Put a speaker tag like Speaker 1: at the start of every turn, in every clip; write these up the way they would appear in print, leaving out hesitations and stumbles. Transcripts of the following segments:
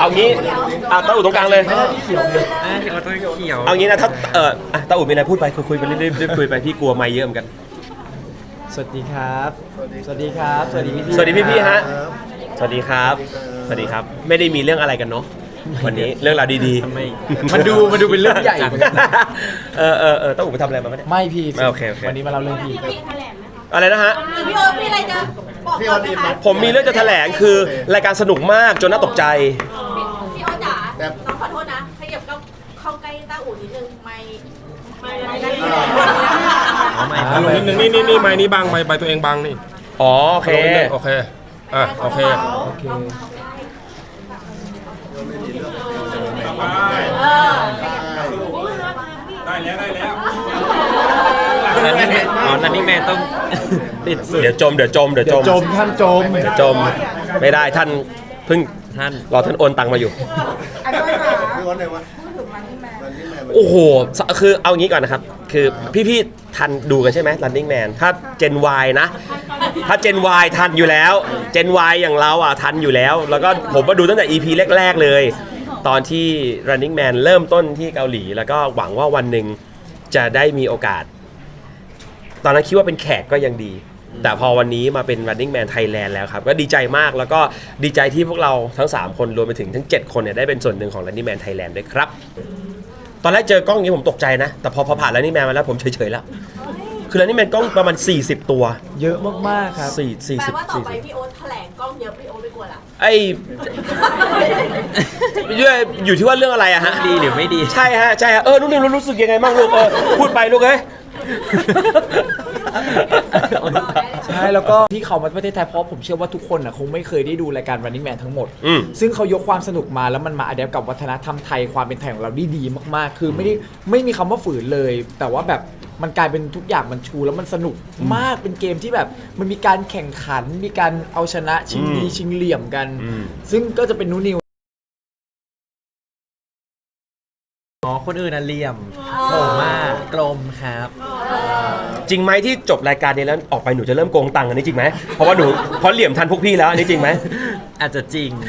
Speaker 1: งี้ตาอู่ตรงกลางเลย
Speaker 2: เขียวเลยพี่โอ๊ตต้องเขียว
Speaker 1: เอางี้นะถ้าตาอู่มีอะไรพูดไปคุยไปเรื่อยๆคุยไปพี่กลัวไม่เยอะเหมือนกัน
Speaker 3: สวัสดีครับ สวัสดีครับ สวัสดีพี่
Speaker 1: สวัสดีพี่ๆฮะสวัสดีครับสวัสดีครับไม่ได้มีเรื่องอะไรกันเนาะวันนี้เรื่องราวดีๆ
Speaker 2: ทำไม
Speaker 3: มันดูเป็นเรื่องใหญ่เหมือนกันนะ
Speaker 1: ตาอู่ไปทำอะไรมาไม่ได้
Speaker 3: ไม่พี่
Speaker 1: โอเค
Speaker 3: วันนี้มาเล่าเรื่องพี่
Speaker 1: อะไรนะฮะ
Speaker 4: พี่โอ๊ตมีอะไรจะบอกก่อนไหมคะ
Speaker 1: ผมมีเรื่องจะแถลงคือรายการสนุกมากจนน่าตกใจ
Speaker 4: พี่โอ๊ตจ๋าน้องขอโทษนะขยับเข้าใกล้ต้าอู่นิดนึงไม่ได้
Speaker 2: เอาใหม่
Speaker 5: นิดนึงนี่ไม้นี้บังไม้ตัวเองบังนี่
Speaker 1: อ๋อโอเค
Speaker 5: โอเคโอเค
Speaker 3: โอเค
Speaker 5: ได้แล้ว
Speaker 2: นั่นนี่แม่ต้องติดสุด
Speaker 1: เดี๋ยวจม
Speaker 3: เดี๋ยวจมท่านจม
Speaker 1: เดี๋ยวจมไม่ได้ท่านเพิ่ง
Speaker 2: ท่าน
Speaker 1: รอท่านโอนตังมาอยู่
Speaker 6: พี่วันไหนวะ
Speaker 1: โอ้โหคือเอางี้ก่อนนะครับคือพี่ๆทันดูกันใช่ไหม Running Man ถ้า Gen Y นะถ้า Gen Y ทันอยู่แล้ว Gen Y อย่างเราทันอยู่แล้วแล้วก็ผมมาดูตั้งแต่ EP แรกๆเลยตอนที่ Running Man เริ่มต้นที่เกาหลีแล้วก็หวังว่าวันหนึ่งจะได้มีโอกาสตอนนั้นคิดว่าเป็นแขกก็ยังดี แต่พอวันนี้มาเป็น Running Man Thailand แล้วครับก็ดีใจมากแล้วก็ดีใจที่พวกเราทั้ง3คนรวมไปถึงทั้ง7คนเนี่ยได้เป็นส่วนหนึ่งของ Running Man Thailand ด้วยครับตอนแรกเจอกล้องนี้ผมตกใจนะแต่พอผ่าน Running Man มาแล้วผมเฉยๆแล้วคือ Running Man กล้องประมาณ40ตัว
Speaker 3: เยอะมากๆครับ
Speaker 4: แปลว่าต่อไปพี่โอ๊ตแถลงกล้องเยอะพี่โอ๊ตไม่กลัวละ
Speaker 1: ไอ้อยู่ที่ว่าเรื่องอะไรอะฮะ
Speaker 2: ดีหรือไม่ดี
Speaker 1: ใช่ฮะนุ่นนิวรู้สึกยังไงบ้างลูกพูดไปลูกเอ้ย
Speaker 3: ใช่แล้วก็ที่เขามาประเทศไทยเพราะผมเชื่อว่าทุกคนคงไม่เคยได้ดูรายการ Running Man ทั้งหมด ซึ่งเขายกความสนุกมาแล้วมันมาอัดแอปกับวัฒนธรรมไทยความเป็นไทยของเราได้ดีมากๆ คือไม่มีคำว่าฝืนเลย แต่ว่าแบบมันกลายเป็นทุกอย่างมันชูแล้วมันสนุกมากเป็นเกมที่แบบมันมีการแข่งขันมีการเอาชนะชิงดีชิงเหลี่ยมกัน ซึ่งก็จะเป็นนูนิว
Speaker 2: อ๋อคนอื่นน่ะเหลี่ยมผมกลมครับ
Speaker 1: จริงไหมที่จบรายการนี้แล้วออกไปหนูจะเริ่มโกงตังค์อันนี้จริงไหมเพราะเหลี่ยมทันพวกพี่แล้วอันนี้จริงไหม
Speaker 2: อาจจะจริง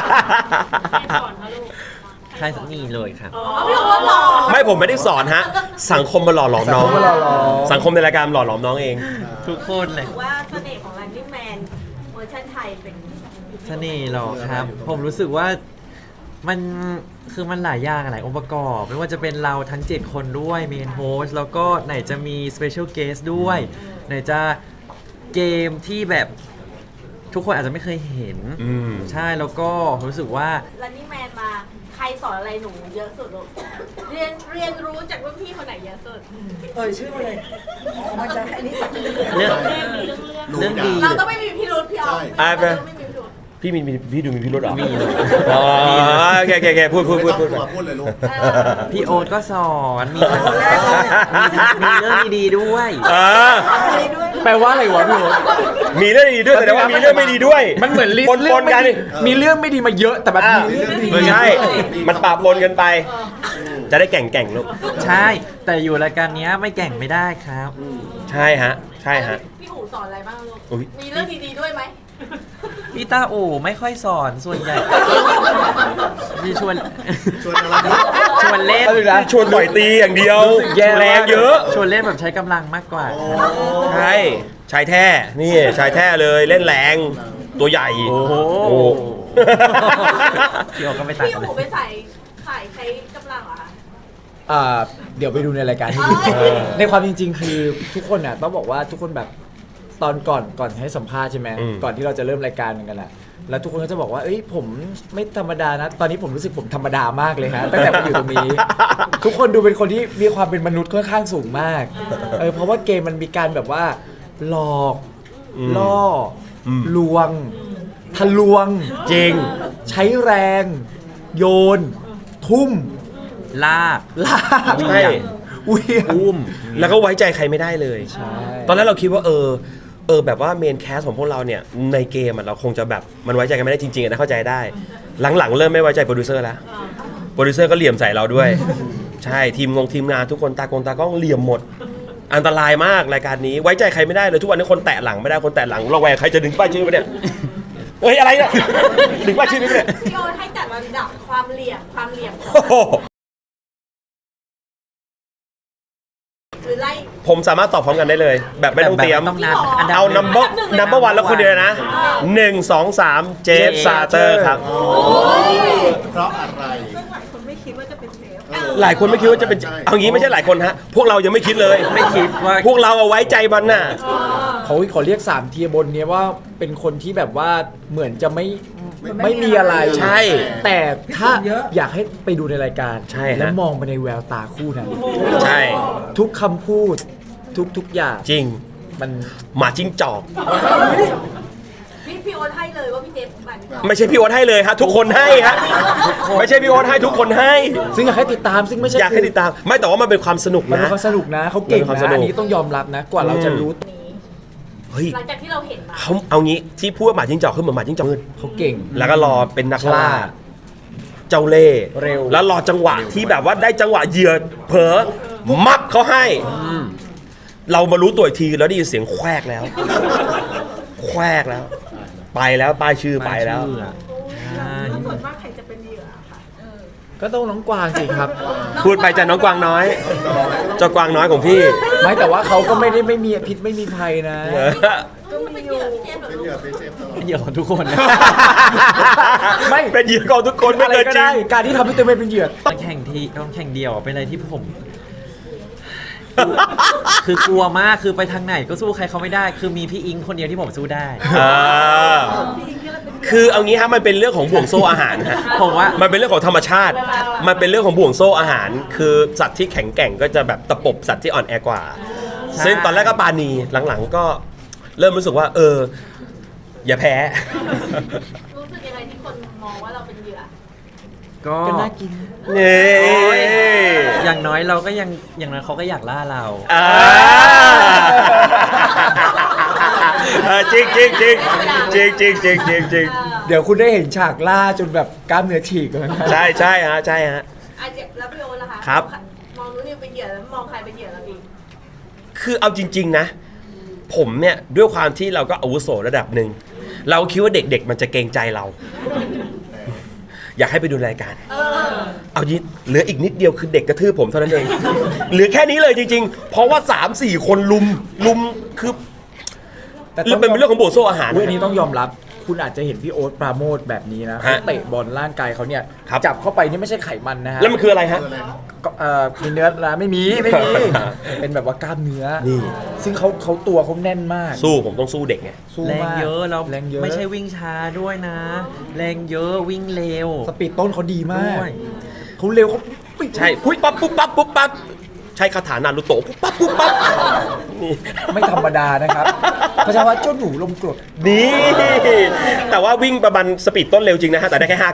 Speaker 2: ใช่สักนี่เลยครับ
Speaker 4: พี่โอ๊ตหล่อ
Speaker 1: ไม่ผมไม่ได้สอนฮะสังคมมาหล่อหลอมน้อง
Speaker 3: สังคมมาหล่อหลอม
Speaker 1: สังคมในรายการหล่อหลอมน้องเอง
Speaker 2: ทุกคนเลย
Speaker 4: ว่าเสน่ห์ของ Running Man เวอร์ชันไทยเป็น
Speaker 2: เสน่ห์หรอครับ ผมรู้สึกว่ามันคือมันหลายอย่างหลายองค์ประกอบ ไม่ว่าจะเป็นเราทั้ง 7 คนด้วยเมนโฮสแล้วก็ไหนจะมีสเปเชียลเกสด้วย ไหนจะเกมที่แบบทุกคนอาจจะไม่เคยเห็น ใช่แล้วก็รู้สึกว่า
Speaker 4: Running Man มาใครสอนอะไรหนูเยอะสุดลูกเรียนรู้จากรุ่นพี่คนไหนเยอะสุด
Speaker 3: ชื่ออะไรมันจะอันนี้
Speaker 2: เรื่องดี
Speaker 4: เราต้องไม่มีพิรุธพี่ออฟ
Speaker 1: อ่ะไป
Speaker 4: เราต้องไม่มีพิรุธ
Speaker 1: พี่ดูมีพิรุธเหรอ
Speaker 2: มี
Speaker 1: อ๋อโอเคพูด
Speaker 6: ไม่ต้อง
Speaker 1: ไป
Speaker 6: กลัวพูดเลยลูก
Speaker 2: พี่โอ๊ตก็สอนมีเรื่องดีๆด้วย
Speaker 3: แปลว่าอะไรวะพี่โอ๊ต
Speaker 1: มีเรื่องดีด้วยแสดงว่ามีเรื่องไม่ดีด้วย
Speaker 3: มันเหมือนลิส
Speaker 1: ป
Speaker 3: ต์เรื่อง
Speaker 1: นๆกัน
Speaker 3: มีเรื่องไม่ดีมาเยอะแต่แบบมีเรื่องดี
Speaker 1: ไม่ใช่มันปะปนกันไป จะได้แก่งลูก
Speaker 2: ใช่ แต่อยู่รายการเนี้ยไม่แก่งไม่ได้ครับ
Speaker 1: ใช่ฮะ
Speaker 4: พี่อู๋สอนอะไรบ้างลูก
Speaker 1: อุ๊ย
Speaker 4: มีเรื่องดีๆด้วยไหม
Speaker 2: พี่ตาโอไม่ค่อยสอนส่วนใหญ่พี่ชวน
Speaker 6: ชวนอะไรนะ
Speaker 2: ชวนเล่น
Speaker 1: ชวนต่อยตีอย่างเดียว
Speaker 3: แย่
Speaker 1: แรงเยอะ
Speaker 2: ชวนเล่นแบบใช้กำลังมากกว่า
Speaker 1: ใช่ชายแท้นี่ชายแท้เลยเล่นแรงตัวใหญ่
Speaker 2: โอ้โห
Speaker 1: โอ้
Speaker 2: พี่โอก็ไม่ต่าง
Speaker 4: พี่
Speaker 2: กัน
Speaker 4: อู๋
Speaker 2: เลย
Speaker 4: ไปใส่ใช้กำลังเหรอคะ
Speaker 3: เดี๋ยวไปดูในรายการที่ดี ในความจริงๆ คือทุกคนน่ะต้องบอกว่าทุกคนแบบตอนก่อนให้สัมภาษณ์ใช่ไหมก่อนที่เราจะเริ่มรายการกันแหละแล้วทุกคนก็จะบอกว่าเอ้ยผมไม่ธรรมดานะตอนนี้ผมรู้สึกผมธรรมดามากเลยฮะตั้งแต่มาอยู่ตรงนี้ ทุกคนดูเป็นคนที่มีความเป็นมนุษย์ค่อนข้างสูงมากเพราะว่าเกมมันมีการแบบว่าหลอกล่อลวงทะลวง
Speaker 1: จริง
Speaker 3: ใช้แรง โยน ทุ่ม
Speaker 2: ลาก
Speaker 3: ลาก
Speaker 1: ใช่
Speaker 3: เหวี่ยง
Speaker 2: อุ้ม
Speaker 1: แล้วก็ไว้ใจใครไม่ได้เลย
Speaker 3: ใช่
Speaker 1: ตอนแรกเราคิดว่าแบบว่าเมนแคสของพวกเราเนี่ยในเกมเราคงจะแบบมันไว้ใจกันไม่ได้จริงๆนะเข้าใจได้ หลังๆเริ่มไม่ไว้ใจโปรดิวเซอร์แล้วโปรดิวเซอร์ก็เหลี่ยมใส่เราด้วย ใช่ทีมงานทุกคนตากล้องเหลี่ยมหมด อันตรายมากรายการนี้ไว้ใจใครไม่ได้เลยทุกวันนี้คนแตะหลังไม่ได้คนแตะหลังระแวงใครจะดึงป้ายชื่อไปเนี่ยเฮ้ยอะไรเนี่ยถึงว่าชื่อนี้เนี่ย
Speaker 4: พี่โอ๊ตให้จัดลำดับความเหลี่ยมของ
Speaker 1: โอ้โห
Speaker 4: หรือไล่
Speaker 1: ผมสามารถตอบพร้อมกันได้เลย แบบไม่ต้องเตรียม
Speaker 2: แบบต้องนับอันดับ
Speaker 1: เอา
Speaker 2: หนึ่ง
Speaker 1: number one แล้วคนเดียวนะ1 2 3 เจฟซาเตอร์ครับ
Speaker 6: เพราะอะไร
Speaker 4: หลายคนไม่คิดว่าจะเป็นเชฟ
Speaker 1: หลายคนไม่คิดว่าจะเป็นเอางี้ไม่ใช่หลายคนฮะพวกเรายังไม่คิดเลย
Speaker 2: ไม่คิดว่า
Speaker 1: พวกเราเอาไว้ใจมันน่ะ
Speaker 3: เขาขอเรียก3 เทียร์บนเนี้ยว่าเป็นคนที่แบบว่าเหมือนจะไม่มีอะไร
Speaker 1: ใช่
Speaker 3: แต่ถ้าอยากให้ไปดูในรายการ
Speaker 1: ใช่ฮะ
Speaker 3: แล้วมองไปในแววตาคู่นั้น
Speaker 1: ใช่
Speaker 3: ทุกคำพูดทุกอย่าง
Speaker 1: จริง
Speaker 3: มัน
Speaker 1: หมาจิ้งจอก
Speaker 4: พี่โอ๊ตให้เลยว่าพี่เจฟบัน
Speaker 1: ไม่ใช่พี่โอ๊ตให้เลยฮะทุกคนให้ฮะไม่ใช่พี่โอ๊ตให้ทุกคนให้
Speaker 3: ซึ่งอยากให้ติดตามซึ่งไม่ใช่
Speaker 1: อยากให้ติดตามไม่แต่ว่ามันเป็นความสนุก
Speaker 3: มันเป็
Speaker 1: นะ
Speaker 3: นความสนุกนะเขาเก่ง
Speaker 1: มันเป็นความส
Speaker 3: นะ
Speaker 1: นุก
Speaker 3: อันนี้ต้องยอมรับนะ กว่าเราจะรู้
Speaker 1: เฮ้ย
Speaker 4: หลังจากที่เราเห็นมา
Speaker 1: เขาเอางี้ที่พูดว่าหมาจิ้งจอกคือเหมือนหมาจิ้งจอกมืด
Speaker 3: เขาเก่ง
Speaker 1: แล้วก็รอเป็นนักล่า
Speaker 3: ฉลาด
Speaker 1: เจ้าเล่ห์
Speaker 3: เร็ว
Speaker 1: แล้วรอจังหวะที่แบบว่าได้จังหวะเหยื่อเผลอมับเขาให้ เรามารู้ตัวอีกทีแล้วได้ยินเสียงแควกแล้ว แควกแล้ว ไปแล้วป้ายชื่อไปแล้ว
Speaker 2: ชื่ออะใช่
Speaker 4: ส่วนมากใครจะเป็นเหยื่อค่ะ
Speaker 3: ก็ต้องน้องกวางสิครับ
Speaker 1: พูดไปจากน้องกวางน้อย เจ้ากวางน้อยของพี่
Speaker 3: ไม่แต่ว่าเขาก็ไม่มีพิษไม่มีภัยนะ
Speaker 4: ก็เป็นเหยื่อพี่เจฟเหรอ
Speaker 6: เป็น
Speaker 4: ลู
Speaker 6: เหยื่อก เป็นเชฟตลอด
Speaker 2: เหยื่อของทุกคนนะ
Speaker 3: ไม่
Speaker 1: เป็นเหยื่อของทุกคนไม่
Speaker 3: อะไร
Speaker 1: เกิน
Speaker 3: ก็
Speaker 1: จริ
Speaker 3: ได้
Speaker 1: ง
Speaker 3: การที่ทำให้ตัวเองเป็นเหยื่อ
Speaker 2: ตอนแข่งเดียวเป็นอะไรที่ผม คือกลัวมากคือไปทางไหนก็สู้ใครเขาไม่ได้ คือมีพี่อิงคนเดียวที่ผมสู้ได้
Speaker 1: คือเอางี้ฮะมันเป็นเรื่องของบ่วงโซ่อาหารฮะ
Speaker 2: ผมว่า
Speaker 1: มันเป็นเรื่องของธรรมชาติ มันเป็นเรื่องของบ่วงโซ่อาหาร คือสัตว์ที่แข็งแกร่งก็จะแบบตะปบสัตว์ที่อ่อนแอกว่า
Speaker 2: ใช่
Speaker 1: ซึ่งตอนแรกก็ปาณีหลังๆก็เริ่มรู้สึกว่า อย่าแพ้
Speaker 4: รู้สึกยังไงที่คนมองว่าเราเป็นเหยื่อ
Speaker 2: ก็
Speaker 3: ก็น่ากิน
Speaker 1: เน่
Speaker 2: อย่างน้อยเราก็ยังอย่างน้อยเขาก็อยากล่าเรา
Speaker 1: อ่าจริงจริงจริงจริงจริงจริงจริงจริง
Speaker 3: เดี๋ยวคุณได้เห็นฉากล่าจนแบบกล้ามเนื้อฉีกเลยนะ
Speaker 1: ใช่ใช่ฮะใช่ฮะ
Speaker 4: อ่ะเดี๋ยวแล้วพี่โอ๊ตล่ะคะ
Speaker 1: ครับ
Speaker 4: มองนู้นนี่เป็นเหยื่อแล้วมองใครเป็นเหยื่อเราอีก
Speaker 1: คือเอาจริง ๆ นะ ผมเนี่ยด้วยความที่เราก็อาวุโสระดับหนึ่ง เราคิดว่าเด็กๆ มันจะเกรงใจเรา อยากให้ไปดูรายการ เอายิเหลืออีกนิดเดียวคือเด็กกระทืบผมเท่านั้นเอง เหลือแค่นี้เลยจริงๆ เพราะว่า 3-4 คนลุมคือ
Speaker 3: แต่
Speaker 1: เรื่องเป็นเรื่องของบ่วงโซ่อาหาร
Speaker 3: อุ๊ยอันนี้ต้องยอมรับ คุณอาจจะเห็นพี่โอ๊ตปราโมทแบบนี้นะเขาเตะบอลร่างกายเขาเนี่ย
Speaker 1: ครับ
Speaker 3: จับเข้าไปนี่ไม่ใช่ไขมันนะฮะ
Speaker 1: แล้วมันคืออะไรฮะ
Speaker 3: ก็มีเนื้อนะไม่มี เป็นแบบว่ากล้ามเนื้อ
Speaker 1: นี่
Speaker 3: ซึ่งเขาตัวเขาแน่นมาก
Speaker 1: สู้ผมต้องสู้เด็กไง
Speaker 3: สู้
Speaker 2: แรง
Speaker 3: มาก
Speaker 2: เยอะแล้ว
Speaker 3: แรงเยอะ
Speaker 2: ไม่ใช่วิ่งช้าด้วยนะ แรงเยอะวิ่งเร็ว
Speaker 3: สปีดต้นเขาดีมาก
Speaker 2: ด้วย
Speaker 3: เขาเร็วเขาปิ๊บ
Speaker 1: ใช่ปุ๊บปั๊บปุ๊บปั๊บปุ๊บปั๊บใช้คาถานารุโตะปุ๊บปั๊บปุ๊บปั๊บนี่
Speaker 3: ไม่ธรรมดานะครับเขาจะว่าเจ้าหนูลมกรด
Speaker 1: นี่แต่ว่าวิ่งประมาณสปีดต้นเร็วจริงนะฮะแต่ได้แค่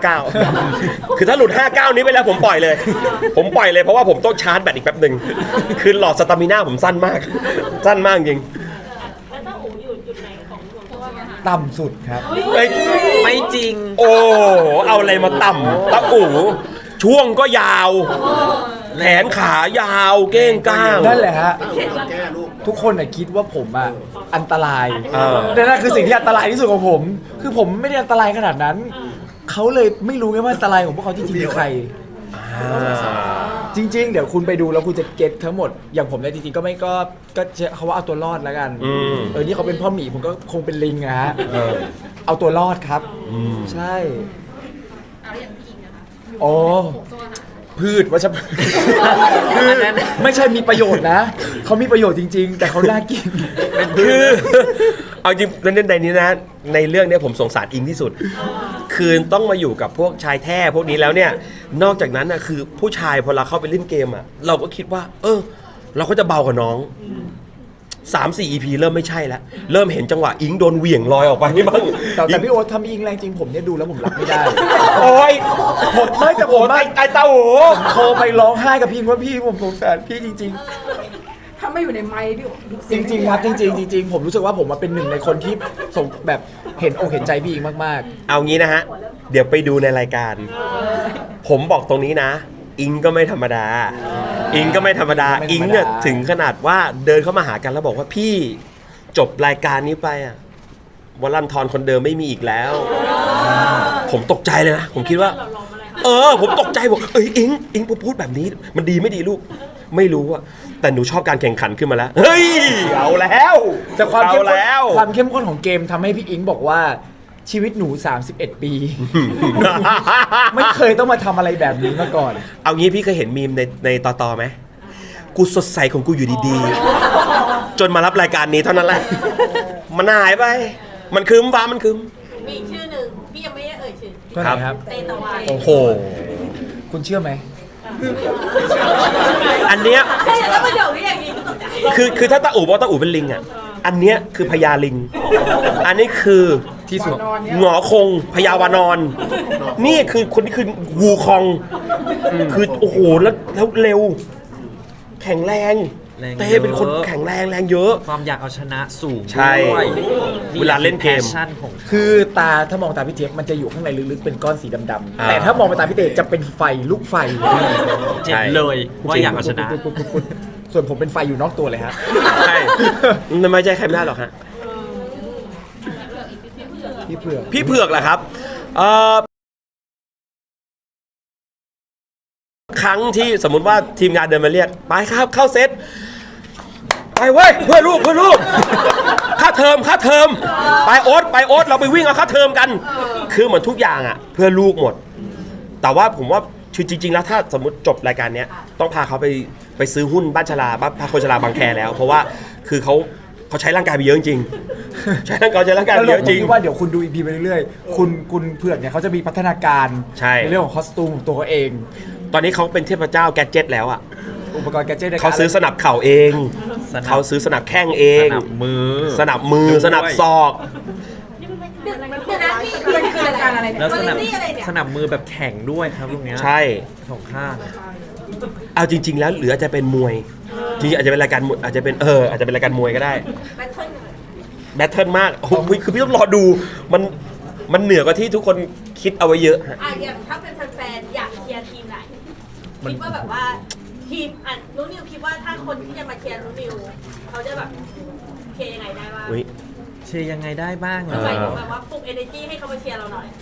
Speaker 1: 59คือถ้าหลุด59นี้ไปแล้วผมปล่อยเลย ผมปล่อยเลยเพราะว่าผมต้องชาร์จแบตอีกแป๊บหนึ่งคือหลอดสตามิน่าผมสั้นมากสั้นมากจริง
Speaker 4: แล้วถ้าอู๋อยู่จุดไหนของหลวงพ่อคะ
Speaker 3: ต่ำสุดครับ
Speaker 1: เอ้ย
Speaker 2: ไม่จริง
Speaker 1: โอ้เอาอะไรมาต่ำตะอู๋ช่วงก็ยาวแขนขายาวเก้งก้าง
Speaker 3: นั่นแหละฮะ
Speaker 6: แก้ลูก
Speaker 3: ทุกคนน่ะคิดว่าผมอ่ะอันตราย
Speaker 1: เออ
Speaker 3: นั่นคือสิ่งที่อันตรายที่สุดของผม คือผมไม่ได้อันตรายขนาดนั้น เขาเลยไม่รู้ไงว่าอันตรายของพวกเขาจริงๆคือใคร จริง ๆ เดี๋ยวคุณไปดูแล้วคุณจะเก็ตทั้งหมด อย่างผมเนี่ยจริงๆก็ไม่ก็เขาว่าเอาตัวรอดแล้วกัน นี่เขาเป็นพ่อหมีผมก็คงเป็นลิงอะฮะเอาตัวรอดครับ ใช่
Speaker 4: เอาอย่างพี่อิงนะคะ
Speaker 3: โอ้พืชวัชพืชคือ
Speaker 2: อันนั้น
Speaker 3: ไม่ใช่มีประโยชน์นะ เขามีประโยชน์จริง ๆ แต่เขาน่ากิน
Speaker 1: คือเอาจริงในนี้นะในเรื่องเนี้ยผมสงสารอิงที่สุด คือต้องมาอยู่กับพวกชายแท้พวกนี้แล้วเนี่ย นอกจากนั้นนะคือผู้ชายพอเราเข้าไปเล่นเกมอ่ะเราก็คิดว่า เราก็จะเบากว่าน้อง 3-4 EP เริ่มไม่ใช่แล้วเริ่มเห็นจังหวะอิงโดนเหวี่ยงลอยออกไปนี่บ้าง
Speaker 3: แต่พี่โอ๊ตทำอิงแรงจริงผมเนี่ยดูแล้วผมรับไม่ได้
Speaker 1: โอ้ย
Speaker 3: ผมไม่แต่ผม
Speaker 1: ไอ้เต้าหู
Speaker 3: โทรไปร้องไห้กับพี่อิงว่าพี่ผมสงสารพี่จริง
Speaker 7: ถ้าไม่อยู่ในไมค์พี่
Speaker 3: ๆ จริง ๆ ครับจริง ๆ ผมรู้สึกว่าผมมาเป็นหนึ่งในคนที่ส่งแบบเห็นอกเห็นใจพี่อิงมาก
Speaker 1: เอางี้นะฮะเดี๋ยวไปดูในรายการ ผมบอกตรงนี้นะ อิงก็ไม่ธรรมดา อิงก็ไม่ธรรมดา อิงเนี่ยถึงขนาดว่าเดินเข้ามาหากันแล้วบอกว่าพี่จบรายการนี้ไปอ่ะวลันทรคนเดิมไม่มีอีกแล้ว ผมตกใจเลยนะผมคิดว่า ผมตกใจบอกอิงพูดแบบนี้มันดีไม่ดีลูกไม่รู้อะแต่หนูชอบการแข่งขันขึ้นมาแล้วเฮ้ยเอาแล้ว
Speaker 3: แต่ความเข้ม
Speaker 1: เอา
Speaker 3: ข้น
Speaker 1: แล้ว
Speaker 3: ความเข้มข้นของเกมทำให้พี่อิงบอกว่าชีวิตหนู 31 ปี ไม่เคยต้องมาทำอะไรแบบนี้มาก่อน
Speaker 1: เอางี้พี่เคยเห็นมีมในต่อไหมกูสดใสของกูอยู่ดีๆ จนมารับรายการนี้เท่านั้นแหละ มันหายไป มันคืมฟ้ามันคืม
Speaker 4: มีอีกชื่อหนึ่งพี่ยังไม่ได้เอ่ยชื่อ
Speaker 3: ก็ไหนครับ
Speaker 4: เตตะวัน
Speaker 1: โอ้โห
Speaker 3: คุณเชื่อไหม
Speaker 1: อันเนี้ย
Speaker 4: ใช่แล้วประโยคนี้อย่างนี้ก็ตกใจ
Speaker 1: คือถ้าตาอู่บอกตาอู่เป็นลิงอ่ะ อันเนี้ยคือพญาลิง อันนี้คือที่สุดหงอคงพญาวานอน นี่คือคนนี้คือวูคอง คือโอ้โหแล้วเร็ว แข็งแรง
Speaker 2: แรง
Speaker 1: เต้
Speaker 2: เยอะ
Speaker 1: เป็นคนแข็งแรงเยอะ
Speaker 2: ความอยากเอาชนะสูง
Speaker 1: ใช่
Speaker 2: ด้วย
Speaker 1: เวลาเล่นเกม
Speaker 2: แพชชั่นของ
Speaker 3: คือถ้ามองตาพี่เจี๊ยบมันจะอยู่ข้างในลึกๆเป็นก้อนสีดำๆ
Speaker 1: อ่า
Speaker 3: แต่ถ้ามองไปตาพี่เต๋จะเป็นไฟลูกไฟ
Speaker 2: เจ็บเลยว่าอยากเอาชนะ
Speaker 3: ส่วนผมเป็นไฟอยู่นอกตัวเลยฮะ
Speaker 1: ใช่มันไม่ใช่ใครไม่ได้หรอกฮะ
Speaker 3: พี่เผือก
Speaker 1: พี่เผือกแหละครับครั้งที่สมมุติว่าทีมงานเดินมาเรียกไปครับเข้าเซตไปเว้ยเพื่อลูกค่าเทอมไปโอ๊ตเราไปวิ่งเอาค่าเทอมกัน คือเหมือนทุกอย่างอ่ะเพื่อลูกหมด แต่ว่าผมว่าคือจริงๆแล้วถ้าสมมติจบรายการเนี้ยต้องพาเขาไปซื้อหุ้นบ้านชลาพาคนชลาบางแคแล้ว เพราะว่าคือเขาใช้ร่างกายไปเยอะจริงๆใช้ร่างกายไป
Speaker 3: แล้ว
Speaker 1: เย
Speaker 3: เรา
Speaker 1: อะจริง
Speaker 3: คิดว่าเดี๋ยวคุณดูอีพีไปเรื่อยๆคุณเผือกเนี่ยเขาจะมีพัฒนาการ
Speaker 1: ใช่
Speaker 3: ในเรื่องของคอสตูมของตัวเขาเอง
Speaker 1: ตอนนี้เขาเป็นเทพเจ้าแกดเจ็ตแล้วอ่ะ
Speaker 3: อุปกรณ์แกดเจิตในกร
Speaker 1: เขาซื้อสนับเข่าเอง
Speaker 2: สนับ
Speaker 1: เขาซื้อสนับแข้งเอง
Speaker 2: สนับมือ
Speaker 1: สนับมือ สนับศอก
Speaker 4: เดี๋ยวนะพี่
Speaker 7: มันคือรายการอะไรเนี่ย
Speaker 2: แล้วสนับ
Speaker 4: นี่อะไรเนี่ย
Speaker 2: สนับมือแบบแข็งด้วยครับตรงเนี้ย
Speaker 1: ใช่
Speaker 2: สองข้าง
Speaker 1: เอาจริง ๆ แล้วหรืออาจจะเป็นมวย จริงๆอาจจะเป็นรายการมวยอาจจะเป็นอาจจะเป็นรายการมวยก็ได้
Speaker 4: แบทเทิล
Speaker 1: แบทเทิลมากโอ้โหคือพี่ต้องรอดู มันเหนือกว่าที่ทุกคนคิดเอาไว้เยอะฮะ
Speaker 4: อย่างถ้าเป็นแฟนๆอยากเชียร์ทีมไหนคิดว่าแบบว่าทีมนุ้นิวคิดว่าถ้าคนที่จะมาเชียร์นุ้นิวเขาจะแบบเชียร์ยังไงได้บ้าง
Speaker 1: อุ๊ย
Speaker 2: เชียร์ยังไงได้บ้างเหรอ
Speaker 4: หมายถึงแบบว่าปลุก energy ให้เขามาเชียร์เราหน่อย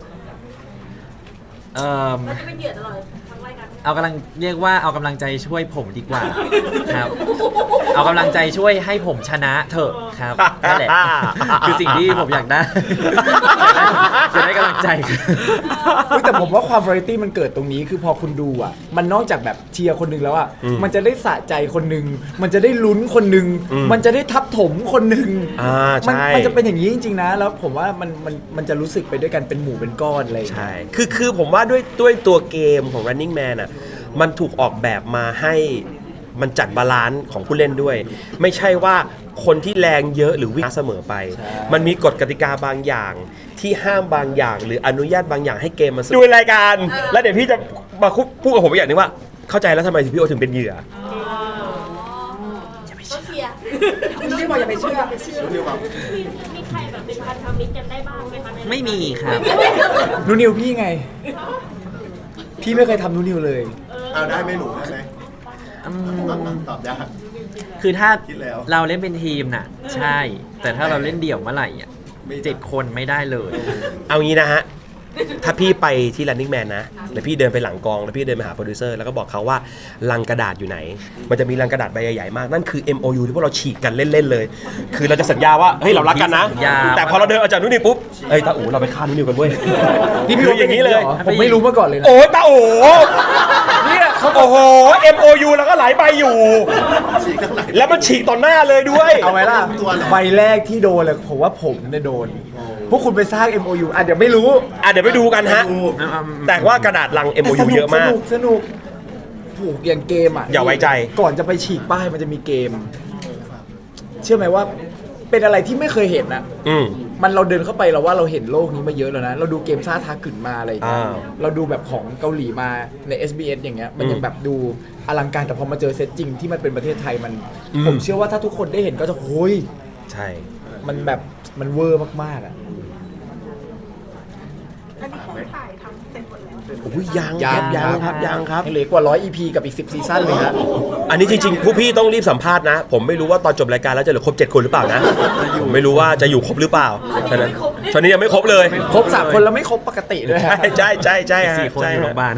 Speaker 4: เราจะเป็นเหยื่อตลอดทั้งรายการ
Speaker 2: เอากำลังเรียกว่าเอากำลังใจช่วยผมดีกว่าครับ เอากำลังใจช่วยให้ผมชนะเถอะครับนั่นแหละคือสิ่งที่ผมอยากได้จะได้กำลังใจ
Speaker 3: เฮ้ยแต่ผมว่าความ variety มันเกิดตรงนี้คือพอคุณดูอ่ะมันนอกจากแบบเชียร์คนหนึงแล้วอ่ะมันจะได้สะใจคนหนึงมันจะได้ลุ้นคนหนึงมันจะได้ทับถมคนหนึง
Speaker 1: ใช่
Speaker 3: มันจะเป็นอย่างนี้จริงๆนะแล้วผมว่ามันจะรู้สึกไปด้วยกันเป็นหมู่เป็นก้อนอะไรอย่างเงี้ย
Speaker 1: ใช่คือผมว่าด้วยตัวเกมของ Running Man อ่ะมันถูกออกแบบมาให้มันจัดบาลานซ์ของผู้เล่นด้วย ไม่ใช่ว่าคนที่แรงเยอะหรือวิ่งเสมอไป มันมีกฎกติกาบางอย่างที่ห้ามบางอย่าง หรืออนุญาตบางอย่างให้เกมมันดูรายการ แล้วเดี๋ยวพี่จะมาพูดกับผมอีกอย่างหนึงว่า เข้าใจแล้วทำไมพี่โอถึงเป็นเหยื่อ
Speaker 4: เขาเชียร์
Speaker 7: พี่บอกอย่าไปเชื่อ
Speaker 4: มีใครแบบเป็นพันธมิตรกันได้บ้างไหมคะ
Speaker 2: ไม่มีครับ
Speaker 3: นูนิวพี่ไง พี่ไม่เคยทำนูนิวเลย
Speaker 6: เอาได้ไหมหนูได้ไหมตอบยาก
Speaker 2: คือถ้า
Speaker 6: คิดแล้ว
Speaker 2: เราเล่นเป็นทีมน่ะ ใช่ แต่ถ้าเราเล่นเดี่ยวเมื่อไหร่อ่ะ
Speaker 6: ไม่ได้
Speaker 2: 7 คนไม่ได้เลย
Speaker 1: เอางี้นะฮะ ถ้าพี่ไปที่ Running Man นะ แล้วพี่เดินไปหลังกอง แล้วพี่เดินไปหาโปรดิวเซอร์ แล้วก็บอกเขาว่าลังกระดาษอยู่ไหน มันจะมีลังกระดาษใบใหญ่ๆมาก นั่นคือ MOU ที่พวกเราฉีกกันเล่นๆเลย คือเราจะสัญญาว่า เฮ้ย เรารักกันนะ
Speaker 2: สัญญา
Speaker 1: แต่พอเราเดินออกจากนู่นนี่ปุ๊บ เฮ้ยตาอู๋เราไปฆ่านู่นนี่กันเว้ย
Speaker 3: นี่พี่
Speaker 1: คืออย่างนี้เลย
Speaker 3: หรผมไม่รู้มาก่อนเลยนะ
Speaker 1: โอ้ยตาอู๋เนี่ยเขาโอ้โห MOU แล้วก็หลายใบอยู่
Speaker 6: ฉีกกันไหน
Speaker 1: แล้วมันฉีกต่อหน้าเลยด้วย
Speaker 3: เอาไว้ล่ะ
Speaker 6: ตัวเหรอ
Speaker 3: ใบแรกที่โดนเลยผมว่าผมเนี่ยโดน พวกคุณไปสร้าง MOU อ่ะเดี๋ยวไม่รู้
Speaker 1: เดี๋ยวไปดูกันฮะ แต่ว่ากระดาษลัง MOU เยอะมาก
Speaker 3: สนุกผูกอย่างเกมอ่ะ
Speaker 1: อย่าไว้ใจ
Speaker 3: ก่อนจะไปฉีกป้ายมันจะมีเกม เชื่อไหมว่าเป็นอะไรที่ไม่เคยเห็นนะ
Speaker 1: อืม
Speaker 3: มันเราเดินเข้าไปเราว่าเราเห็นโลกนี้มาเยอะแล้วนะ เราดูเกมซ่าทาขึ้นมาอะไรอย่างเงี้ย
Speaker 1: อ่า
Speaker 3: เราดูแบบของเกาหลีมาใน SBS อย่างเงี้ยมันยังแบบดูอลังการแต่พอมาเจอเซตจริงที่มันเป็นประเทศไทยมันผมเชื่อว่าถ้าทุกคนได้เห็นก็จะโอ้ย
Speaker 1: ใช่
Speaker 3: มันแบบมันเวอร์มากๆอ่ะ
Speaker 7: อันนี้คนถ่ายทำเสร็จหมดแล้ว
Speaker 1: อุ้ยยังครับยังครับยังครับ
Speaker 3: ยังเหลือกว่า 100 EP กับอีก 10 ซีซั่นเลยฮะ
Speaker 1: อันนี้จริงๆผู้พี่ต้องรีบสัมภาษณ์นะ ผมไม่รู้ว่าตอนจบรายการแล้วจะเหลือครบ7 คนหรือเปล่านะผมไม่รู้ว่าจะอยู่ครบหรือเปล่าฉะนั้นตอนนี้ยังไม่ครบเลย
Speaker 3: ครบ 3 คนแล้วไม่ครบปกติด้วยฮะ
Speaker 1: ใช่ใช่ใช่ฮะ
Speaker 2: 4 คน
Speaker 1: ใช่
Speaker 2: อยู่โร
Speaker 1: ฮะ
Speaker 2: งพยาบาล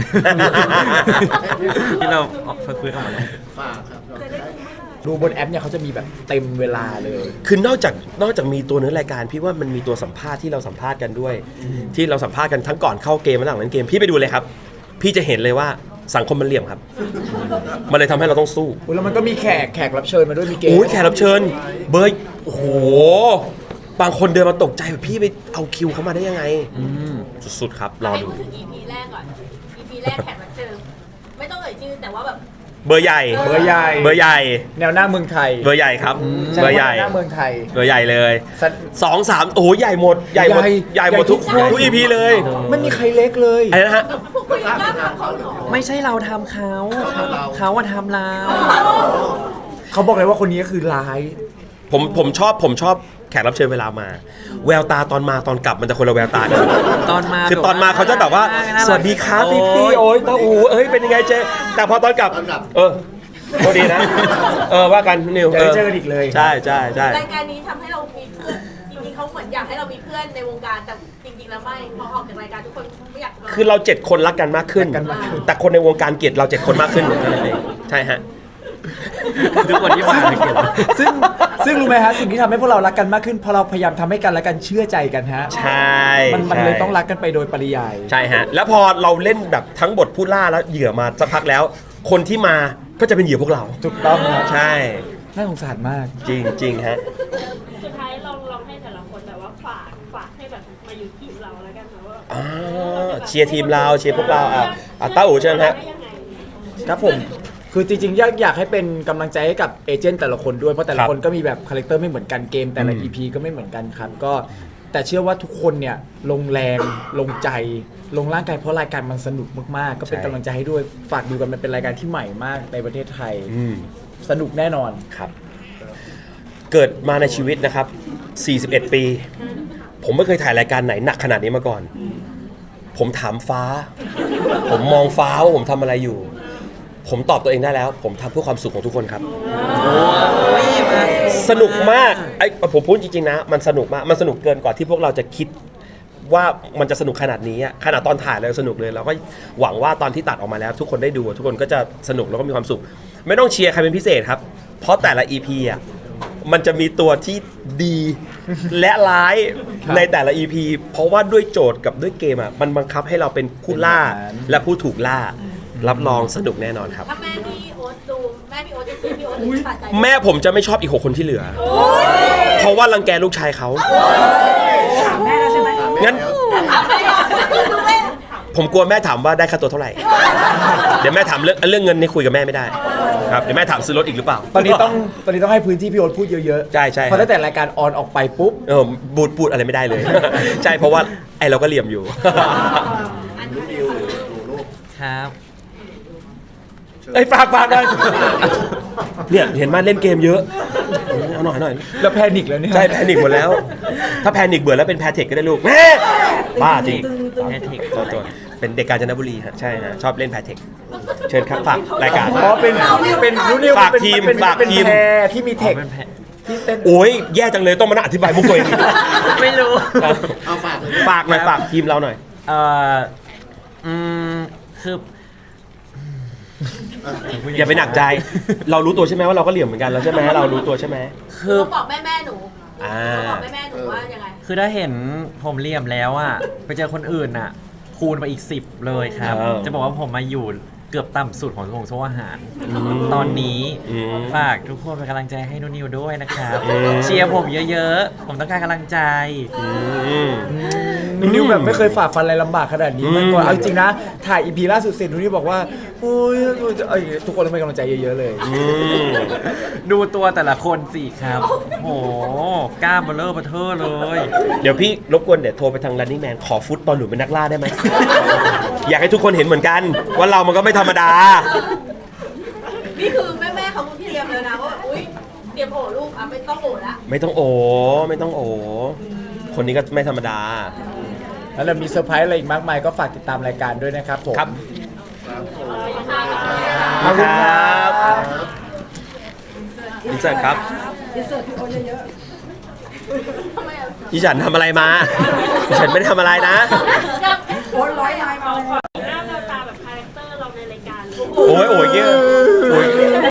Speaker 2: ที่เราออกฟื้นออกมาแล้ว
Speaker 6: ฝากครับเราจะได้
Speaker 3: ดูบนแอปเนี่ยเขาจะมีแบบเต็มเวลาเลย
Speaker 1: คือนอกจากมีตัวเนื้อรายการพี่ว่ามันมีตัวสัมภาษณ์ที่เราสัมภาษณ์กันด้วย ที่เราสัมภาษณ์กันทั้งก่อนเข้าเกมและหลังเล่นเกมพี่ไปดูเลยครับ พี่จะเห็นเลยว่าสังคมมันเหลี่ยมครับ มันเลยทำให้เราต้องสู้
Speaker 3: อุ๊ยแล้วมันก็มีแขกรับเชิญมาด้วยมีเกม
Speaker 1: โอ้ยแขกรับเชิญ เบย์โอ้โหบางคนเดินมาตกใจแบบพี่ไปเอาคิวเขามาได้ยังไงสุดๆครับรอ
Speaker 4: ให้
Speaker 1: ดู
Speaker 4: พูดถึง EP แรกก่อน EP แรกแขกรับเชิญไม่ต้องเอ่ยชื่อแต่ว่าแบบ
Speaker 1: เบอร์ใหญ่
Speaker 3: เบอร์ใหญ่
Speaker 1: เบอร์ใหญ่
Speaker 3: แนวหน้าเมืองไทย
Speaker 1: เบอร์ใหญ่ครับ
Speaker 3: ใช่
Speaker 1: เบอร์ใหญ่
Speaker 3: แนวหน้าเมืองไทย
Speaker 1: เบอร์ใหญ่เลย
Speaker 3: สัตว์
Speaker 1: 2-3โอ้โหใหญ่หมดใหญ่หมด
Speaker 3: ใหญ่
Speaker 1: ใหญ่หมดทุก
Speaker 3: ใหญ่ทุกคน
Speaker 1: อีพีเลย
Speaker 3: ไม่มีใครเล็กเลย
Speaker 1: อะไรนะฮะ
Speaker 4: พวกคุณยังกล้าทำเขาเหรอ
Speaker 2: ไม่ใช่เราทำเขาเขาว่าทำเรา
Speaker 3: เขาบอกเลยว่าคนนี้ก็คือร้าย
Speaker 1: ผมชอบแขกรับเชิญเวลามา แววตาตอนมาตอนกลับมันจะคนละแววตากัน
Speaker 2: ตอนมา
Speaker 1: คือตอนมาเขาจะแบบว่า สวัสดีครับพี่โอ้ยตาอูเอ้ยเป็นยังไงเจ๊แต่พอตอนกลับ โทษดีนะ ว่ากันนิว
Speaker 3: จะได้เจอกันอีกเลย
Speaker 1: ใช่ใช่ใช่
Speaker 4: รายการนี้ทำให้เรามีเพื่อนจริงๆเขาเหมือนอยากให้เรามีเพื่อนในวงการแต่จริงๆแล้วไม่พอออกจากรายการทุกคนไม่อยาก
Speaker 1: คือเรา7 คนรักกันมากขึ้น
Speaker 3: รักกันมากขึ้น
Speaker 1: แต่คนในวงการเกลียดเรา7 คนมากขึ้นนั่นเองใช่ฮะ
Speaker 2: ทุกคนที่มาเลยเก็บ
Speaker 3: ซึ่งรู้ไหมฮะสิ่งที่ทำให้พวกเรารักกันมากขึ้นเพราะเราพยายามทำให้กันและกันเชื่อใจกันฮะ
Speaker 1: ใช่
Speaker 3: มันเลยต้องรักกันไปโดยปริยาย
Speaker 1: ใช่ฮะ แล้วพอเราเล่นแบบทั้งบทผู้ล่าแล้วเหยื่อมาสักพักแล้ว คนที่มาก็จะเป็นเหยื่อพวกเรา
Speaker 3: ถูกต้องครับ
Speaker 1: ใช่
Speaker 3: น่าสงสารมาก
Speaker 1: จริงจริงฮะ
Speaker 8: สุดท้ายลองให้แต่ละคนแบบว่าฝากให้แบบมาอยู่ทีมเราแล้วกันนะว่า
Speaker 1: เชียร์ทีมเราเชียร์พวกเราต้าอู๋เชิญฮะ
Speaker 8: ได้ยังไง
Speaker 3: ครับผม คือจริงๆอยากให้เป็นกำลังใจให้กับเอเจนต์แต่ละคนด้วย เพราะแต่ละคนก็มีแบบคาแรคเตอร์ไม่เหมือนกันเกม แต่ละ EP ก็ไม่เหมือนกันครับ ก็แต่เชื่อว่าทุกคนเนี่ยลงแรงลงใจ ลงร่างกายเพราะรายการมันสนุกมากๆ ก็เป็น
Speaker 1: ใช่
Speaker 3: กำลังใจให้ด้วย ฝากดูกันมันเป็นรายการที่ใหม่มากในประเทศไทย
Speaker 1: อืม
Speaker 3: สนุกแน่นอน
Speaker 1: ครับ เกิดมาในชีวิตนะครับ 41 ปี ผมไม่เคยถ่ายรายการไหนหนักขนาดนี้มาก่อน ผมถามฟ้า ผมมองฟ้าว่าผมทำอะไรอยู่ ผมตอบตัวเองได้แล้ว ผมทำเพื่อความสุขของทุกคนครับ สนุกมากผมพูดจริงๆนะ มันสนุกมาก มันสนุกเกินกว่าที่พวกเราจะคิดว่ามันจะสนุกขนาดนี้อะขนาดตอนถ่ายเราสนุกเลยเราก็หวังว่าตอนที่ตัดออกมาแล้ว ทุกคนได้ดูทุกคนก็จะสนุกแล้วก็มีความสุข ไม่ต้องเชียร์ใครเป็นพิเศษครับ เพราะแต่ละ EP อ่ะมันจะมีตัวที่ดีและร้ายในแต่ละ EP เพราะว่าด้วยโจทย์กับด้วยเกมอ่ะมันบังคับให้เราเป็นผู้ล่าและผู้ถูกล่า รับรองสนุกแน่นอนครับ
Speaker 4: ถ้าแม่พี่โอ๊ตดูแม่พี่โอ๊ตจะซื้อพี่โอ๊ตสะใจ
Speaker 1: แม่ผมจะไม่ชอบอีก6 คนที่เหลือ เพราะว่ารังแกลูกชายเขา
Speaker 7: ถามแม่แล้วใช่ไหม
Speaker 1: งั้น
Speaker 4: ถามไม่ออกดูแม่
Speaker 1: ผมกลัวแม่ถามว่าได้ค่าตัวเท่าไหร่ เดี๋ยวแม่ถามเรื่องเงินนี่คุยกับแม่ไม่ได้ครับเดี๋ยวแม่ถามซื้อรถอีกหรือเปล่า
Speaker 3: ตอนนี้ต้องให้พื้นที่พี่โอ๊ตพูดเยอะๆ
Speaker 1: ใช่ใช่
Speaker 3: เพราะตั้งแต่รายการออนออกไปปุ๊บ
Speaker 1: บูดอะไรไม่ได้เลย ใช่เพราะว่าไอเราก็เหลี่ยมอยู่
Speaker 4: อันนี้
Speaker 6: ดิวหรือดูลูก
Speaker 2: ครับ
Speaker 1: ไอ้ยฝากหน่อยเนี่ยเห็นมาเล่นเกมเยอะเอาหน่อย
Speaker 3: แล้วแพนิคแล้วเนี่ย
Speaker 1: ใช่แพนิคหมดแล้ว ถ้าแพนิคเบื่อแล้วเป็นแพเทคก็ได้ลูกแม่บ้าจริง
Speaker 2: แพเทค
Speaker 1: ตัวเป็นเด็กกาญจนบุรีฮะใช่ฮะชอบเล่นแพเทคเชิญครับฝากรายการ
Speaker 3: เพราะเป็นรู้นิว
Speaker 1: ฝากทีม
Speaker 3: เป็น
Speaker 1: ฝากทีม
Speaker 3: แพรที่มีเทค
Speaker 2: เป็นแพะ
Speaker 3: ที่เต้น
Speaker 1: โอ้ยแย่จังเลยต้องมานั่งอธิบายมุกตัวเอง
Speaker 2: ไม่รู้
Speaker 6: เอาฝากเลย
Speaker 1: ฝากหน่อยฝากทีมเราหน่อย
Speaker 2: เอ่อคือ
Speaker 1: อย่าไปหนักใจ เรารู้ตัวใช่ไหมว่าเราก็เหลี่ยมเหมือนกันแล้วใช่ไหมเรารู้ตัวใช่ไหม
Speaker 2: คือ
Speaker 4: ต้องบอกแม่หนู
Speaker 1: อ่า
Speaker 4: ต้องบอกแม่หนูว่ายังไง
Speaker 2: คือถ้าเห็นผมเหลี่ยมแล้วอ่ะ ไปเจอคนอื่นอ่ะ คูณไปอีก 10 เลยครับ จะบอกว่าผมมาอยู่เกือบต่ำสุดของโซ่อาหาร ตอนนี้ฝากทุกคนเป็นกำลังใจให้นุนิวด้วยนะครับ เชียร์ผมเยอะๆ ผมต้องการกำลังใจ
Speaker 3: นูนิวแบบไม่เคยฝ่าฟันอะไรลำบากขนาดนี้มาก่อนเอาจริงๆนะ ถ่ายอีพีล่าสุดเสร็จนูนิวบอกว่าโอ้ยทุกคนต้องเป็นกำลังใจเยอะๆเลย
Speaker 2: ดูตัวแต่ละคนสิครับ โอ้โหกล้ามเบลเลอร์เบอร์เทอร์เลย
Speaker 1: เดี๋ยวพี่รบกวนเดี๋ยวโทรไปทาง running man ขอฟุตตอนหนูเป็นนักล่าได้ไหม อยากให้ทุกคนเห็นเหมือนกัน ว่าเรามันก็ไม่ธรรมดา
Speaker 4: นี่คือแม่เขาเตรียมเลยนะว่าอุ้ยเตรียมโอลูกอ่ะไม่ต้องโอละ
Speaker 1: ไม่ต้องโอ คนนี้ก็ไม่ธรรมดา
Speaker 3: แล้วเรามีเซอร์ไพรส์อะไรอีกมากมายก็ฝากติดตามรายการด้วยนะครับผม
Speaker 1: ครับ
Speaker 3: ขอบคุณครับ
Speaker 1: อินเสิร์ตครับ
Speaker 7: อินเสิร์ตพี่โอ๊ตเยอะ
Speaker 1: อีฉันทำอะไรมาอีฉันไม่ได้ทำอะไรนะ
Speaker 7: ๆโอ๊ตร้อยลายมาเลย
Speaker 8: หน้าแววตาแบบคาแรคเตอร์เราในรายการเลย
Speaker 1: โอ้ย